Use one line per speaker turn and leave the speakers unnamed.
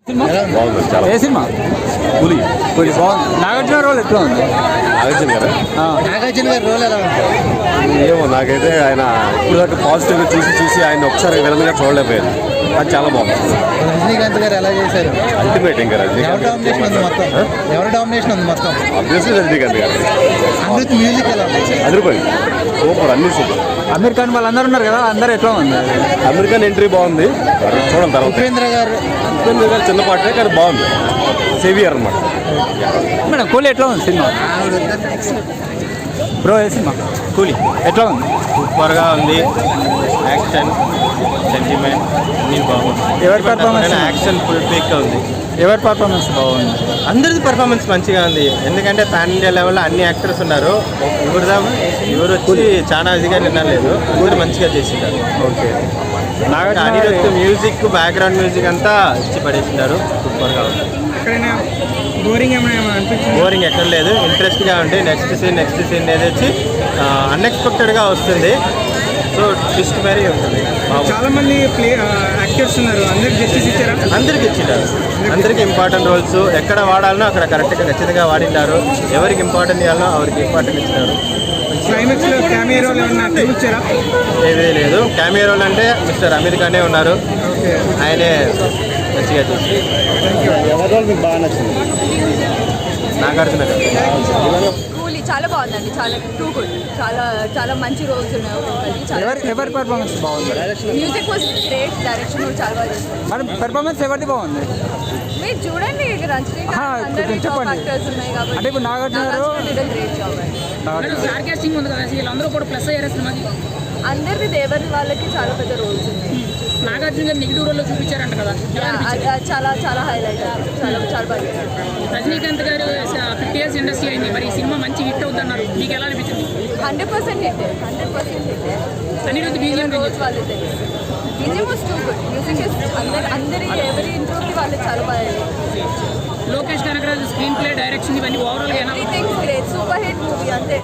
ఏ cinema?
పులి
పులి బాగుంది. నాగార్జున రోల్ ఎట్లా ఉంది?
నాగార్జున గారి రోల్ ఎలా ఉంది?
ఏమో నాకైతే ఆయన ఇప్పుడు దాకా పాజిటివ్గా చూసి ఆయన ఒకసారి విలన్గా చూడలేకపోయాను. అది చాలా బాగుంది.
రజనీకాంత్ గారు ఎలా చేశారు?
అల్టిమేట్ ఇంకా
ఎవరు డామినేషన్ ఉంది మొత్తం? ఎవరు డామినేషన్ ఉంది మొత్తం?
అబ్వియస్లీ రజనీకాంత్ గారు.
అమృత్ మ్యూజిక్ ఎలా ఉంది?
అదిరిపోయింది, సూపర్, అన్ని సూపర్.
అమీర్ ఖాన్ వాళ్ళందరూ ఉన్నారు కదా, అందరూ ఎట్లా ఉంది?
అమెరికన్ ఎంట్రీ బాగుంది, చూడండి తర్వాత.
ఉపేంద్ర గారు
చిన్న పాటే కానీ బాగుంది, సేవియర్ అనమాట.
మేడం కూలీ ఎట్లా ఉంది సినిమా? బ్రో ఏ సినిమా? కూలీ ఎట్లా ఉంది?
సూపర్గా ఉంది. యాక్షన్, సెంటిమెంట్ అన్నీ బాగుంది.
ఎవరి పర్ఫార్మెన్స్?
యాక్షన్ ఫుల్ పీక్గా ఉంది.
ఎవరి పర్ఫార్మెన్స్ బాగుంది?
అందరిది పర్ఫార్మెన్స్ మంచిగా ఉంది. ఎందుకంటే పాన్ ఇండియా లెవెల్లో అన్ని యాక్టర్స్ ఉన్నారు. ఎవరు వచ్చి చాలా ఇదిగా నిన్నలేదు, ఊరు మంచిగా చేసింటారు.
Okay.
Anirudh music, background music అంతా ఇచ్చి పడేసినారు. సూపర్గా ఉంది. బోరింగ్ ఎక్కడ లేదు, ఇంట్రెస్ట్గా ఉంది. నెక్స్ట్ సీన్ ఏది వచ్చి అన్ఎక్స్పెక్టెడ్గా వస్తుంది. సో ట్విస్ట్ మరీ ఉంటుంది.
చాలా మంది యాక్టర్స్ ఉన్నారు, అందరికి జస్టిస్ ఇచ్చారా?
అందరికి ఇచ్చింటారు. అందరికి ఇంపార్టెంట్ రోల్స్ ఎక్కడ వాడాలనో అక్కడ కరెక్ట్గా ఖచ్చితంగా వాడింటారు. ఎవరికి ఇంపార్టెంట్ ఇవ్వాలనో ఎవరికి ఇంపార్టెంట్ ఇచ్చినారు.
క్లైమాక్స్ లో క్యామియో రోల్ ఏమన్నా ఇచ్చారా?
ఏమీ లేదు. క్యామియో రోల్ అంటే మిస్టర్ అమీర్ ఖానే ఉన్నారు. ఆయనే మంచిగా చేసి.
ఎవరి రోల్ మీకు బాగా నచ్చింది?
నాగార్జున గారు
కూలీ చాలా బాగుందండి, చాలా టూ గుడ్, చాలా చాలా మంచి రోల్స్ ఉన్నాయి.
ఎవరి పర్ఫార్మెన్స్ బాగుంది?
మ్యూజిక్ వాజ్ గ్రేట్, డైరెక్షన్ కూడా చాలా బాగా చేస్తారు.
మరి పర్ఫార్మెన్స్ ఎవరిది బాగుంది?
మీరు చూడండి, రజనీకాంత్ అందరి టాప్ యాక్టర్స్ ఉన్నాయి కాబట్టి.
అంటే ఇప్పుడు నాగార్జున గారు
గ్రేట్ జాబ్ అండి.
స్టార్ కాస్టింగ్ ఉంది కదా, వీళ్ళందరూ కూడా ప్లస్ అయ్యారు సినిమాకి.
అందరిది ఎవరి వాళ్ళకి చాలా పెద్ద రోల్స్ ఉన్నాయి.
నాగార్జున గారు నెగిటివ్ రోల్లో చూపించారంట కదా,
చాలా చాలా హైలైట్, చాలా చాలా బాగా చేశారు.
రజనీకాంత్ గారు 50 years ఇండస్ట్రీ అయింది, మరి ఈ సినిమా మంచి హిట్ అవుతున్నారు. మీకు ఎలా అనిపించింది?
100% హిట్, 100% హిట్.
అనిరుద్ధ్ బీజిఎం
రోజు వాళ్ళు తెలుసు. BGM was too good. Music అందరి ఎవరి ఇంట్లోకి వాళ్ళు చాలా బాగా.
Lokesh Kanagaraj screenplay, direction ఇవన్నీ ఓవరాల్గా
everything great, super hit movie అంతే.